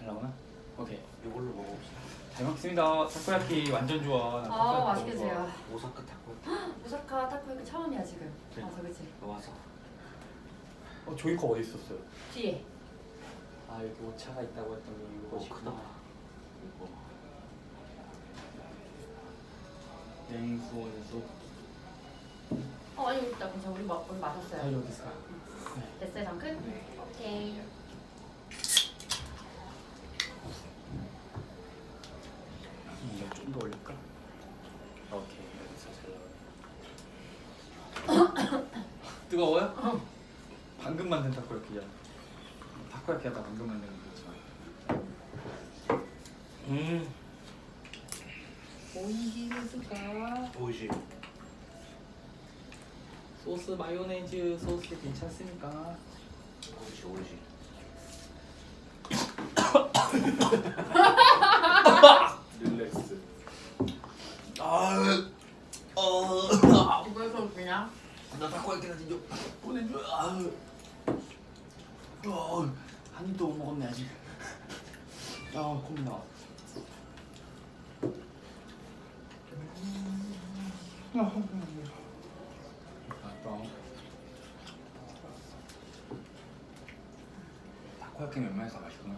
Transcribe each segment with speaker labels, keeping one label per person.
Speaker 1: 잘 나오나? 오케이.
Speaker 2: 이걸로 먹어봅시다.
Speaker 1: 잘 먹습니다. 타코야키 완전 좋아. 나
Speaker 3: 아
Speaker 1: 타코야키
Speaker 3: 맛있게
Speaker 1: 너무 좋아.
Speaker 3: 드세요.
Speaker 2: 오사카 타코.
Speaker 3: 오사카 타코야키 처음이야 지금.
Speaker 2: 네.
Speaker 3: 맞아 그치?
Speaker 2: 와서.
Speaker 1: 조이컵 어디 있었어요?
Speaker 3: 뒤에.
Speaker 1: 아 여기 오차가 있다고 했더니 이거
Speaker 2: 크다. 이거.
Speaker 1: 냉수원에서
Speaker 3: 아니 일단 괜찮아 우리 우리 마셨어요.
Speaker 1: 여기 있어.
Speaker 3: 됐어요 잠깐?
Speaker 1: 네.
Speaker 3: 오케이.
Speaker 1: 이거 좀 더 올릴까? 오케이 여기서 잘 나와. 뜨거워요? 방금 만든 타코야키야. 타코야키 하다 방금 만든 거지만. 오이시스가
Speaker 2: 오이시.
Speaker 1: 소스 마요네즈 소스 괜찮습니까?
Speaker 2: 오이시.
Speaker 4: 릴렉스.
Speaker 3: 이거에서 그냥
Speaker 1: 나 타코야키나 진짜 보내줘. 한 입도 못 먹었네 아직. 콧물 나와. 타코야키는 웬만해서 맛있구나.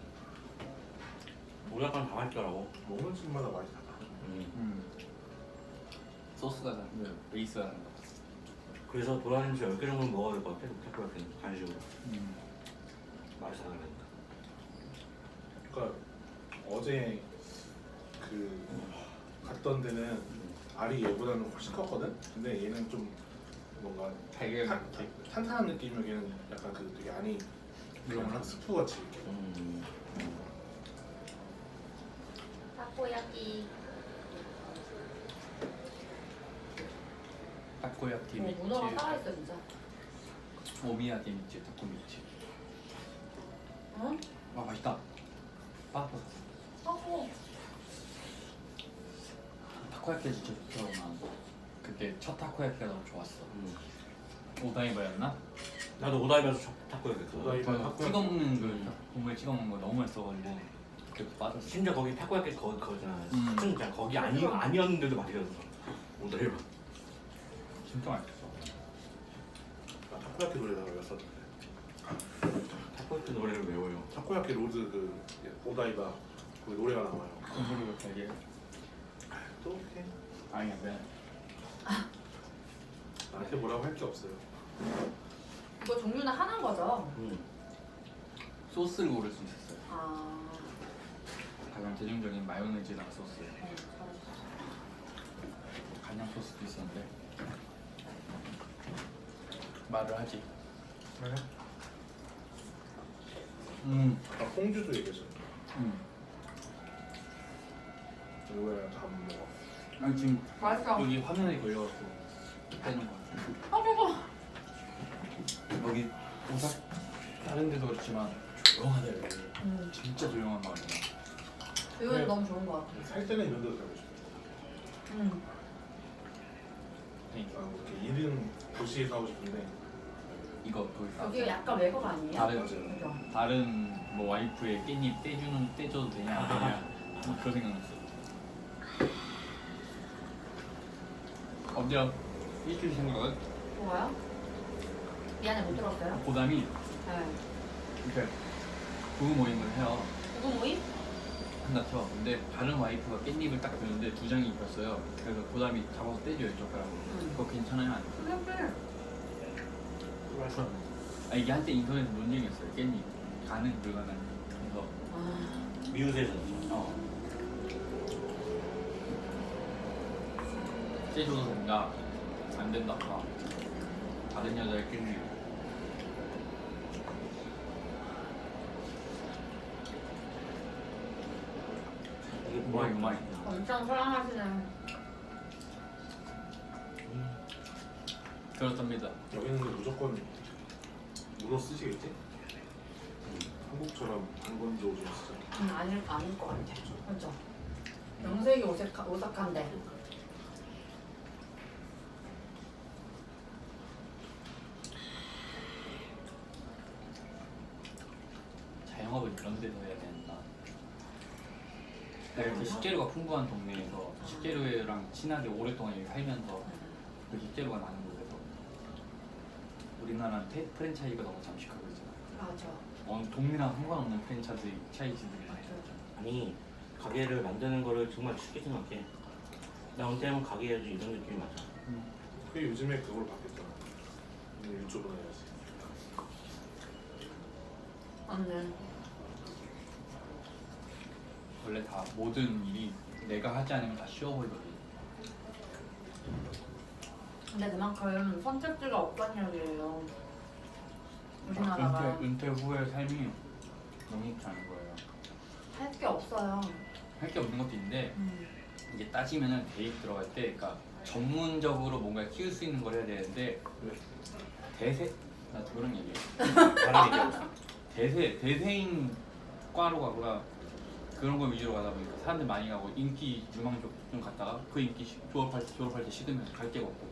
Speaker 2: 우리 아빠는 다 맛있더라고.
Speaker 4: 먹는 집마다 맛이 다 다르네.
Speaker 1: 소스가 다른 베이스가 다른 거.
Speaker 2: 그래서 돌아다니면서 10개 정도 먹어야 될 것 같아. 타코야키는 간식으로. 맛이 다 다르니까.
Speaker 4: 그러니까 어제 그 갔던 데는 알이 얘보다는 훨씬 컸거든. 근데 얘는 좀 뭔가
Speaker 1: 되게
Speaker 4: 탄탄한 느낌이면 얘는 약간 그 되게 안이 그냥 스프 같이 이렇게.
Speaker 3: 타코야키.
Speaker 1: 타코야키
Speaker 3: 문어가
Speaker 1: 미츠,
Speaker 3: 살아있어 진짜.
Speaker 1: 오미야게 미츠, 타코 미츠.
Speaker 3: 응?
Speaker 1: 와 맛있다. 빠졌어.
Speaker 3: 타코.
Speaker 1: 타코야키 진짜 좋더라고. 그때 첫 타코야키가 너무 좋았어. 오다이바였나?
Speaker 2: 나도 오다이바에서 타코야키.
Speaker 4: 오다이바.
Speaker 1: 찍어 먹는 그 국물 찍어 먹는 거 너무 맛있어가지고 그때 빠졌어.
Speaker 2: 심지어 거기 타코야키 거잖아.
Speaker 1: 음.
Speaker 2: 진짜 거기 아니었는데도 맛있었어. 오다이바.
Speaker 1: 진짜 맛있어.
Speaker 4: 나 타코야키 노래가 외웠었는데.
Speaker 2: 타코야키 노래를 외워요.
Speaker 4: 타코야키 로드 그 오다이바 그 노래가 나와요.
Speaker 1: 공부를 되게
Speaker 4: 또 이렇게
Speaker 1: 아니야 왜?
Speaker 4: 나한테 뭐라고 할 게 없어요.
Speaker 3: 이거 종류는 하나인 거죠?
Speaker 1: 소스를 고를 수 있었어요.
Speaker 3: 아.
Speaker 1: 가장 대중적인 마요네즈랑 소스.
Speaker 3: 잘했어.
Speaker 1: 간장 소스도 있었는데 말을 하지.
Speaker 4: 네. 아까 퐁주도 얘기했어. 왜 안 먹어?
Speaker 1: 아니 지금
Speaker 3: 맛있어.
Speaker 1: 여기 화면에 걸려갖고 빼는 거 같아.
Speaker 3: 먹어.
Speaker 1: 여기 오사 다른 데도 그렇지만 조용하다 여기. 진짜 조용한 마을이야.
Speaker 3: 이건
Speaker 4: 네.
Speaker 3: 너무 좋은 거 같아.
Speaker 4: 살 때는 이런 데도 가고 싶어. 이렇게 이른 도시에 사고 싶은데
Speaker 1: 이거 거기
Speaker 3: 여기 약간 외국 아니에요?
Speaker 1: 다른
Speaker 3: 그죠?
Speaker 1: 다른 뭐 와이프의 깻잎 떼줘도 되냐 안 되냐 뭐 그런 생각났어. 어때요? 일주일 생각은?
Speaker 3: 뭐가요? 미안해 못 들었어요?
Speaker 1: 고담이
Speaker 3: 네.
Speaker 1: 이렇게 부부 모임을 해요.
Speaker 3: 누구 모임?
Speaker 1: 한다 쳐. 근데 다른 와이프가 깻잎을 딱 주는데 두 장이 입혔어요. 그래서 고담이 잡아서 떼줘요 젓가락으로. 그거 괜찮아요? 안 돼요?
Speaker 3: 그래.
Speaker 1: 아 이게 한때 인터넷 논쟁이었어요. 깻잎 가능 불가능. 그래서
Speaker 3: 아.
Speaker 2: 미우새에서.
Speaker 1: 떼줘도 된다. 안 된다. 다른 여자의 깻잎.
Speaker 2: 이게
Speaker 1: 뭐야 이거 많이.
Speaker 3: 엄청 사랑하시는.
Speaker 1: 그렇답니다.
Speaker 4: 여기는 무조건 문어 쓰시겠지? 한국처럼 한건지 오징어 쓰잖아.
Speaker 3: 아닐 것 같아. 그렇죠. 명색이 오사카인데.
Speaker 1: 자영업을 이런 데서 해야 된다. 내가 이렇게 식재료가 풍부한 동네에서 식재료랑 친하게 오랫동안 여기 살면서 그 식재료가 나는 곳에서 우리나라는 프랜차이즈가 너무 잠식하고 있잖아.
Speaker 3: 맞아.
Speaker 1: 어느 동네랑 상관없는 프랜차이즈들이 많이 있잖아.
Speaker 2: 아니 가게를 만드는 거를 정말 쉽게 생각해. 나 언제면 가게 해야지 이런 느낌이 맞아.
Speaker 4: 그게 요즘에 그걸로 바뀌었잖아. 유튜브나 해야지.
Speaker 3: 맞네.
Speaker 1: 원래 다 모든 일이 내가 하지 않으면 다 쉬워 보이거든.
Speaker 3: 근데 그만큼 선택지가 없다는 얘기예요. 우리나라가
Speaker 1: 은퇴 후의 삶이 너무 좋지 않은 거예요.
Speaker 3: 할 게 없어요.
Speaker 1: 할 게 없는 것도 있는데 이게 따지면은 대입 들어갈 때, 그러니까 전문적으로 뭔가 키울 수 있는 걸 해야 되는데 나 그런 얘기해.
Speaker 2: 다른 얘기하고 있어.
Speaker 1: 대세인 과로 가거나 그런 거 위주로 가다 보니까 사람들 많이 가고 인기 유망 쪽 좀 갔다가 그 인기 졸업할 때 식으면 갈 데가 없고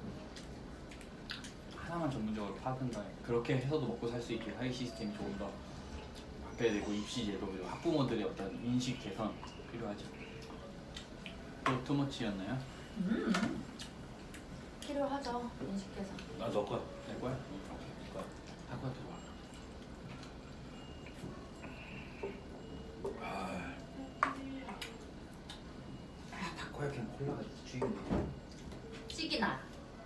Speaker 1: 하나만 전문적으로 파든가 그렇게 해서도 먹고 살 수 있게 사회 시스템이 조금 더 바뀌어야 되고 입시 제도 그리고 학부모들의 어떤 인식 개선 필요하죠. 또 투머치였나요?
Speaker 3: 필요하죠. 인식해서.
Speaker 2: 나너 거야.
Speaker 1: 내 거야? 내 거야. 할 거야 들어와. 타코야키는 콜라가 죽이네.
Speaker 3: 찌기나.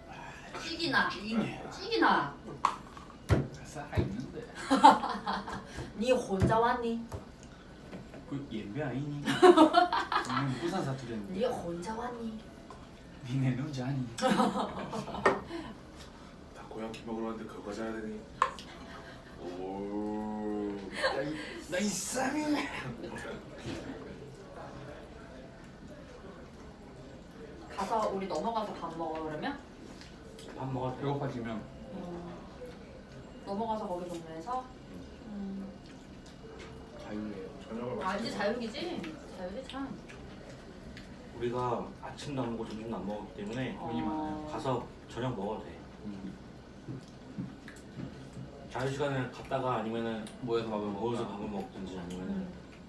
Speaker 3: 찌기나.
Speaker 1: 살아 있는데.
Speaker 3: 니 혼자 왔니?
Speaker 1: 그 예배 아니니? 우리는 부산 사투리였는데.
Speaker 3: 니 혼자 왔니?
Speaker 1: 니네 누자 아니?
Speaker 4: 다코야키 먹으러 왔는데 그거 가져야 되니? 오.
Speaker 1: 나 이상해.
Speaker 3: 가서 우리 넘어가서 밥 먹어 그러면?
Speaker 2: 밥 먹었어.
Speaker 1: 배고파지면
Speaker 3: 넘어가서 거기 동네에서?
Speaker 1: 자유예요.
Speaker 4: 저녁을
Speaker 3: 알지 자유기지? 자유지 참.
Speaker 2: 우리가 아침도 안 먹고 점심도 안 먹었기 때문에
Speaker 1: 돈이 많아요.
Speaker 2: 가서 저녁 먹어도 돼. 자유 시간을 갔다가 아니면은
Speaker 1: 모여서 밥을
Speaker 2: 모여서
Speaker 1: 먹을까?
Speaker 2: 밥을 먹든지 아니면은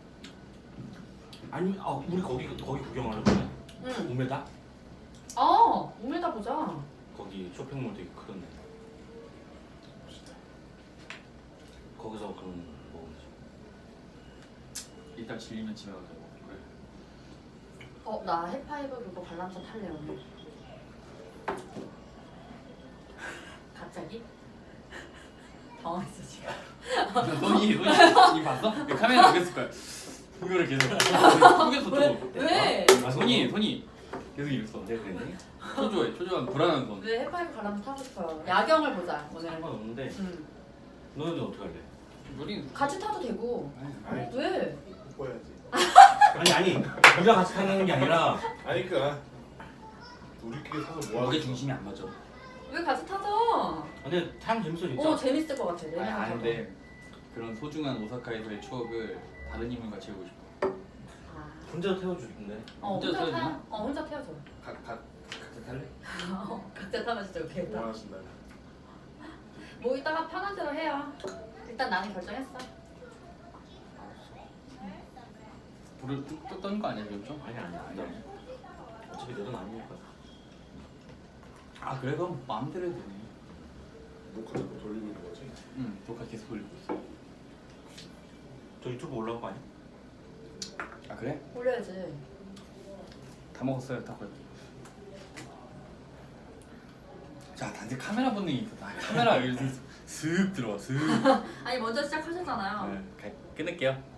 Speaker 2: 아니 우리 거기 구경하는 거야?
Speaker 3: 응.
Speaker 2: 우메다?
Speaker 3: 우메다 보자.
Speaker 2: 거기 쇼핑몰 되게 크던데. 거기서 그런 먹으면
Speaker 1: 이따 질리면 집에 가자고. 그래.
Speaker 3: 나 해파이브 그거 관람차 탈래 오늘. 갑자기? 당황했어 지금.
Speaker 1: 손이 봤어? 카메라 여기 있을 거야. 이거를 계속 속였어 또.
Speaker 3: 왜?
Speaker 1: 손이 계속 이랬어.
Speaker 2: 내가 그랬니?
Speaker 1: 초조한 불안한 손.
Speaker 3: 왜 해파이브 관람차 타고 싶어요? 야경을 보자 오늘.
Speaker 2: 상관없는데
Speaker 3: 응.
Speaker 2: 너는 어떻게 할래?
Speaker 1: 우린
Speaker 3: 같이 타도 되고.
Speaker 4: 아니
Speaker 3: 왜?
Speaker 4: 뽀뽀해야지.
Speaker 2: 아니 우리랑 같이 타는 게 아니라
Speaker 4: 아니 우리끼리 사서 뭐
Speaker 1: 무게
Speaker 4: 하겠어?
Speaker 1: 중심이 안 맞아.
Speaker 3: 왜 같이 타자?
Speaker 2: 근데 타면 재밌어 진짜.
Speaker 3: 재밌을 것 같아.
Speaker 1: 아니 아닌데 그런 소중한 오사카에서의 추억을 다른 인물과 채우고 싶어.
Speaker 2: 혼자 태워주던데.
Speaker 3: 혼자
Speaker 1: 혼자
Speaker 3: 타.
Speaker 1: 타야
Speaker 3: 혼자 태워줘.
Speaker 1: 각자 탈래?
Speaker 3: 각자 타면 진짜
Speaker 4: 뭐
Speaker 3: 웃기겠다.
Speaker 4: 하신다.
Speaker 3: 뭐 이따가 편한 대로 해요. 일단 나는 결정했어.
Speaker 1: 불을 뚝 떴는 거 아니야 지금 좀?
Speaker 2: 아니야. 어차피 내 돈 아니니까.
Speaker 1: 아 그래 그럼 마음대로 해도 되네.
Speaker 4: 녹화도 또 돌리고 있는 거지?
Speaker 1: 응 녹화 계속 돌리고 있어.
Speaker 2: 저 유튜브 올라올 거 아니야?
Speaker 1: 아 그래?
Speaker 3: 올려야지.
Speaker 1: 다 먹었어요 타코야키. 자 단지 카메라 본능이 있어. 카메라 이렇게 슥 들어와 슥.
Speaker 3: 아니 먼저 시작하셨잖아요.
Speaker 1: 끊을게요.